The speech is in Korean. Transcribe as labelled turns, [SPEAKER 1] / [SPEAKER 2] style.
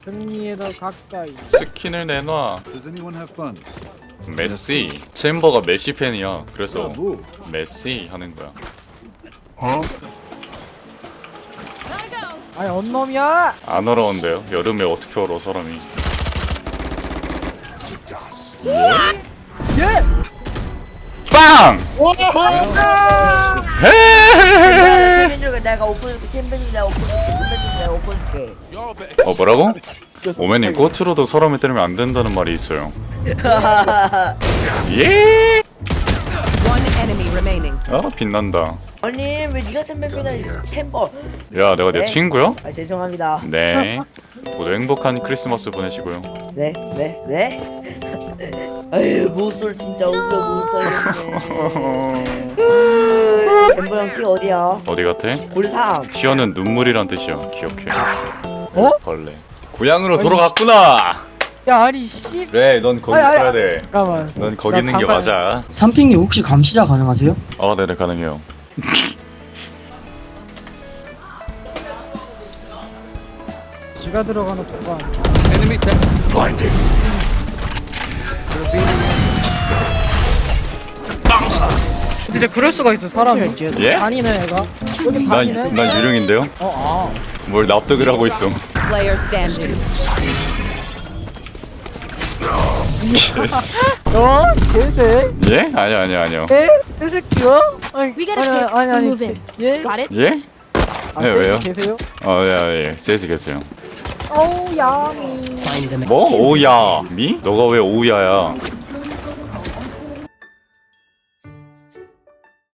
[SPEAKER 1] 승리에 더 가까이.
[SPEAKER 2] 스킨을 내놔.
[SPEAKER 3] Does anyone have funds?
[SPEAKER 2] 메시. 챔버가 메시 팬이야. 그래서
[SPEAKER 3] Bravo.
[SPEAKER 2] 메시 하는 거야.
[SPEAKER 1] 아니 언놈이야.
[SPEAKER 2] 안 얼어온대요. 여름에 어떻게 얼어 사람이.
[SPEAKER 1] 예.
[SPEAKER 2] 빵! 헤헤헤헤.
[SPEAKER 4] 챔피언즈가 내가 오픈해줄게. 챔피언즈 내가 오픈해줄게. 챔피언즈 내가 오픈해줄게.
[SPEAKER 2] 뭐라고? 오맨님 꽃으로도 사람을 때리면 안 된다는 말이 있어요. 예!
[SPEAKER 5] One enemy remaining.
[SPEAKER 2] 아 빛난다.
[SPEAKER 4] 아니 왜 네가 챔피언이야? 챔버.
[SPEAKER 2] 야 내가 내
[SPEAKER 4] 네.
[SPEAKER 2] 친구야?
[SPEAKER 4] 아 죄송합니다.
[SPEAKER 2] 네. 모두 행복한 크리스마스 보내시고요.
[SPEAKER 4] 네. 아유 무술 진짜 웃겨 무술이네. 챔버 형 키 어디야?
[SPEAKER 2] 어디 같아?
[SPEAKER 4] 골상.
[SPEAKER 2] 티어는 눈물이란 뜻이야. 기억해.
[SPEAKER 1] 어?
[SPEAKER 2] 벌레. 고향으로 돌아갔구나.
[SPEAKER 1] 야 아니 씨.
[SPEAKER 2] 그래, 넌 거기
[SPEAKER 1] 아니, 아니,
[SPEAKER 2] 있어야 돼.
[SPEAKER 1] 잠깐만.
[SPEAKER 2] 넌 거기 있는 게
[SPEAKER 1] 잠깐.
[SPEAKER 2] 맞아.
[SPEAKER 6] 삼핑님 혹시 감시자 가능하세요?
[SPEAKER 2] 네네 가능해요.
[SPEAKER 1] 지가 들어가는 도관. 진짜 그럴 수가 있어 사람이.
[SPEAKER 2] 예?
[SPEAKER 1] 다니네 애가. 여기 다니네.
[SPEAKER 2] 난 유령인데요. 뭘 납득을 하고 있어.
[SPEAKER 5] Player standing.
[SPEAKER 1] 어? 개새?
[SPEAKER 2] 예? 아니요.
[SPEAKER 1] 에? 개새끼야? 아니,
[SPEAKER 7] We gotta skip and move in.
[SPEAKER 1] 예?
[SPEAKER 7] Got it?
[SPEAKER 2] 예?
[SPEAKER 1] 아,
[SPEAKER 2] 네, 왜요?
[SPEAKER 1] 계세요?
[SPEAKER 2] 예. 세지 계세요.
[SPEAKER 1] 어우 야미.
[SPEAKER 2] 뭐? 오우야. 미? 너가 왜 오우야야?